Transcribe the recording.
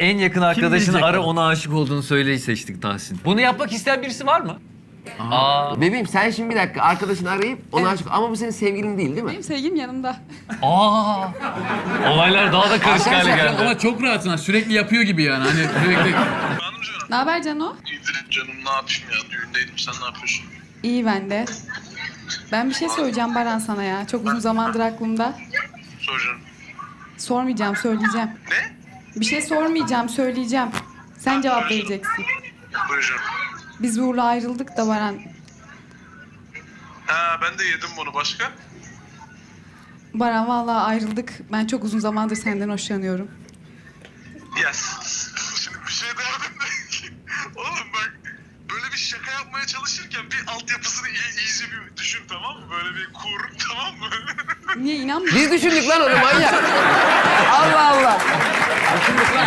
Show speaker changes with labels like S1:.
S1: en yakın arkadaşını
S2: bilecek
S1: ara,
S2: onu?
S1: ona aşık olduğunu söyleyi seçtik Tahsin. Bunu yapmak isteyen birisi var mı?
S3: Bebeğim sen şimdi bir dakika arkadaşını arayıp ona aşık... Ama bu senin sevgilin değil değil mi?
S4: Benim sevgilim yanımda.
S1: Aa! Olaylar daha da karışık hale
S3: Arkadaşlar,
S1: geldi.
S2: Ama çok rahatsın ha. Sürekli yapıyor gibi yani. Hani sürekli...
S5: Hanım canım.
S4: Ne haber Cano?
S5: İyidir canım, ne yapayım ya? Düğündeydim, sen ne yapıyorsun?
S4: İyi ben de. Ben bir şey söyleyeceğim Baran sana ya. Çok uzun zamandır aklımda.
S5: Sor canım.
S4: Sormayacağım, söyleyeceğim.
S5: Ne?
S4: Bir şey sormayacağım, söyleyeceğim. Sen cevap vereceksin.
S5: Buyur canım.
S4: Biz Uğur'la ayrıldık da Baran.
S5: Ha, ben de yedim bunu. Başka?
S4: Baran vallahi ayrıldık. Ben çok uzun zamandır senden hoşlanıyorum.
S5: Ya şimdi bir şey derdim de. Oğlum bak, böyle bir şaka yapmaya çalışırken bir altyapısını iyice bir düşün, tamam mı? Böyle bir kur, tamam mı?
S4: Niye inanmıyorsun?
S3: Biz düşündük lan onu manyak. Allah Allah.